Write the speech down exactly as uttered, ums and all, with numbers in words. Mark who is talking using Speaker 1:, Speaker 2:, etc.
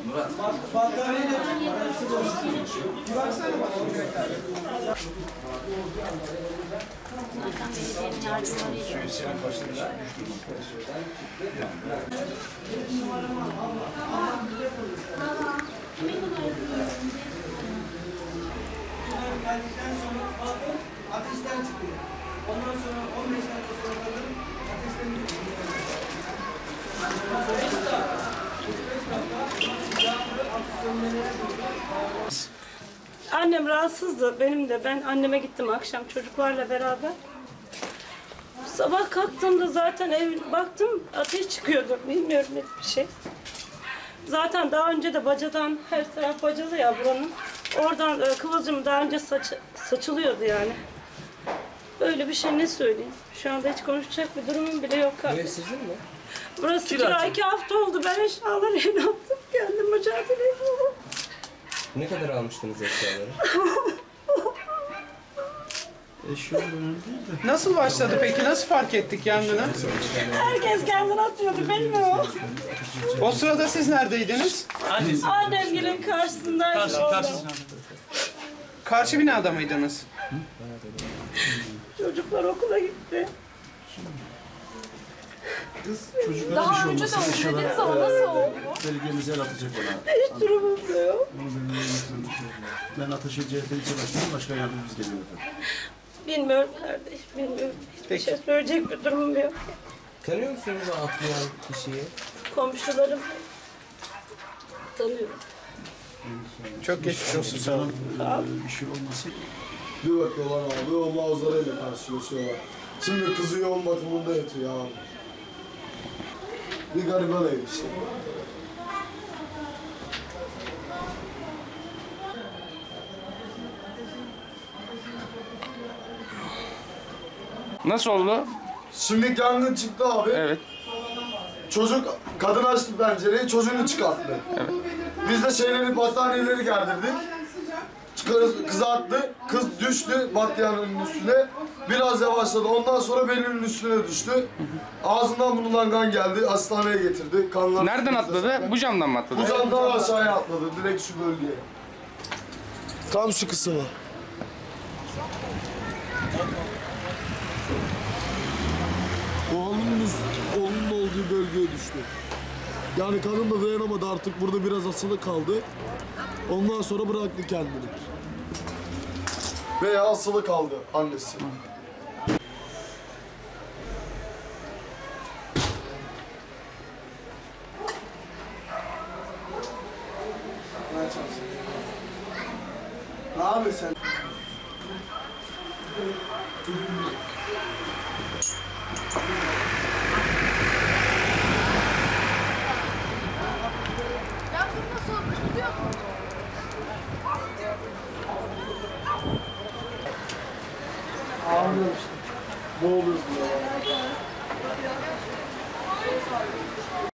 Speaker 1: Murat.
Speaker 2: Battaniyeyle arası boş. Bir baksana bana olacaklar.
Speaker 3: Zaten belediyenin yardımlarıyla.
Speaker 1: Suyu senin başına
Speaker 2: Geldikten sonra balkon ateşten çıkıyor. Ondan sonra on beş dakika sonra kadın ateşten çıkıyor. beş dakika. beş dakika. Yağmur hafif sönmelere doğru.
Speaker 4: Annem rahatsızdı, benim de. Ben anneme gittim akşam çocuklarla beraber. Sabah kalktığımda zaten ev baktım ateş çıkıyordu. Bilmiyorum ne bir şey. Zaten daha önce de bacadan, her taraf bacalı ya buranın. Oradan e, kıvılcım daha önce saç, saçılıyordu yani. Böyle bir şey ne söyleyeyim? Şu anda hiç konuşacak bir durumum bile yok.
Speaker 5: Ev sizin mi?
Speaker 4: Burası kira, iki hafta oldu. Ben eşyaları evine attım. Kendim mücadele ediyorum.
Speaker 5: Ne kadar almıştınız eşyaları?
Speaker 6: Nasıl başladı peki? Nasıl fark ettik yangını?
Speaker 4: Herkes kendini atıyordu, bilmiyorum.
Speaker 6: O sırada siz neredeydiniz?
Speaker 4: Annem gelin karşısındaydı.
Speaker 7: Karşı,
Speaker 4: orada.
Speaker 7: karşı.
Speaker 6: Karşı binada mıydınız?
Speaker 4: Çocuklar okula gitti.
Speaker 8: Daha önce de özlediniz ama nasıl oldu?
Speaker 7: Belediyemize el atacak ona.
Speaker 4: Hiç durumum da yok.
Speaker 7: Onu benim yönetmem şey Ben Ateşe C H P ilçe başkanım, başka yardımcımız geliyor efendim.
Speaker 4: Bilmiyorum kardeş, bilmiyorum. Hiçbir şey söyleyecek bir durumum yok.
Speaker 5: Tanıyor musunuz o atlayan kişiyi?
Speaker 4: Komşularım tanıyorum.
Speaker 6: Çok geçmiş olsun. Sağ olun.
Speaker 7: Ee, bir şey olması.
Speaker 9: Bir bakıyorlar abi, o manzarayla karşılaşıyorlar. Şimdi kızı yoğun bakımında yatıyor abi. Bir gariban ev işte.
Speaker 6: Nasıl oldu?
Speaker 9: Şimdi yangın çıktı abi.
Speaker 6: Evet.
Speaker 9: Çocuk, kadın açtı pencereyi, çocuğunu çıkarttı.
Speaker 6: Evet.
Speaker 9: Biz de şeyleri, battaniyeleri gerdirdik. Çıkarız, kızı attı, kız düştü battaniyenin üstüne. Biraz yavaşladı, ondan sonra belinin üstüne düştü. Ağzından bulunan kan geldi, hastaneye getirdi. Kanlar
Speaker 6: Nereden atladı? Bu camdan mı atladı?
Speaker 9: Bu camdan aşağıya atladı, direkt şu bölgeye. Tam şu kısmı. Oğlunun, oğlunun olduğu bölgeye düştü. Yani kadın da dayanamadı artık, burada biraz asılı kaldı. Ondan sonra bıraktı kendini. Veya asılı kaldı annesi.
Speaker 2: Ne yapıyorsun sen?
Speaker 8: Yangın nasıl olmuş biliyor musun?
Speaker 2: Ağlıyor işte. Ne oluyoruz diyor.